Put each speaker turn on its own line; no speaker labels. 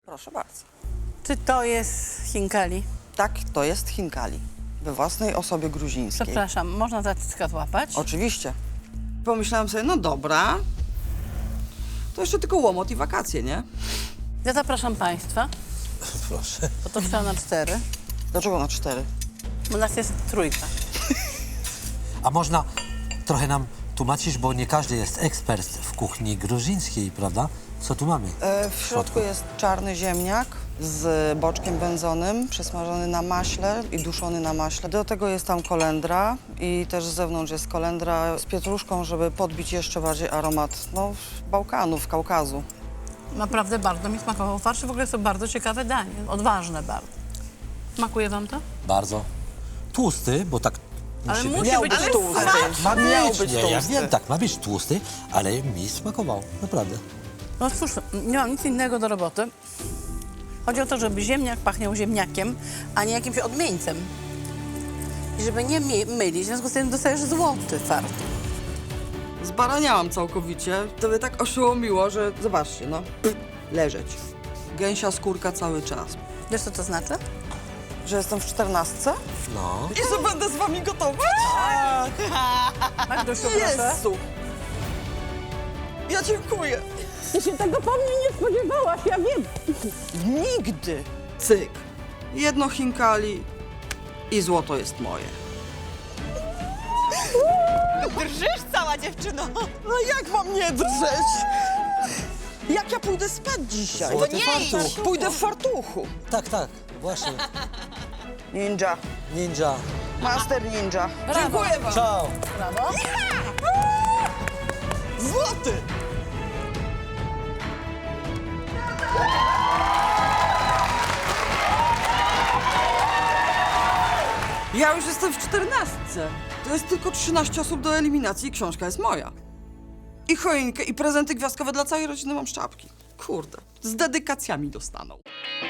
Proszę bardzo.
Czy to jest Hinkali?
Tak, to jest Hinkali. We własnej osobie gruzińskiej.
Przepraszam, można za cycka złapać?
Oczywiście. Pomyślałam sobie, no dobra, to jeszcze tylko łomot i wakacje, nie?
Ja zapraszam Państwa,
Proszę.
bo to trwa na 4.
Dlaczego na 4?
Bo nas jest trójka.
A można trochę nam tłumaczyć, bo nie każdy jest ekspert w kuchni gruzińskiej, prawda? Co tu mamy?
W środku jest czarny ziemniak z boczkiem wędzonym, przesmażony na maśle i duszony na maśle. Do tego jest tam kolendra i też z zewnątrz jest kolendra z pietruszką, żeby podbić jeszcze bardziej aromat, no, Bałkanów, Kaukazu.
Naprawdę bardzo mi smakował farsz. W ogóle jest to bardzo ciekawe danie, odważne bardzo. Smakuje Wam to?
Bardzo tłusty, bo tak
Ale
musi być.
musi
Miał
być
być tłusty.
Ma
Miał
być,
być
nie, ja
tłusty.
wiem, tak, ma być tłusty, ale mi smakował, naprawdę.
No cóż, nie mam nic innego do roboty. Chodzi o to, żeby ziemniak pachniał ziemniakiem, a nie jakimś odmieńcem. I żeby nie mylić, w związku z tym dostajesz złoty farsz.
Zbaraniałam całkowicie. To mnie tak oszołomiło, że zobaczcie, no, leżeć. Gęsia skórka cały czas.
Wiesz, co to znaczy?
Że jestem w 14?
No.
I że będę z wami gotować?
Magdusiu, proszę.
Jezu! Ja dziękuję.
Ty się tego po mnie nie spodziewałaś, ja wiem.
Nigdy. Cyk. Jedno Hinkali i złoto jest moje.
Drżysz cała dziewczyno.
No jak mam nie drżeć? Jak ja pójdę spać dzisiaj?
Złoty
nie
fartuch.
idź.
Pójdę w fartuchu.
Tak, tak, właśnie.
Ninja.
Ninja.
Master ninja.
Brawo.
Dziękuję wam.
Ciao.
Brawo.
Złoty! Ja już jestem w 14. To jest tylko 13 osób do eliminacji i książka jest moja. I choinkę, i prezenty gwiazdkowe dla całej rodziny mam z czapki. Kurde, z dedykacjami dostaną.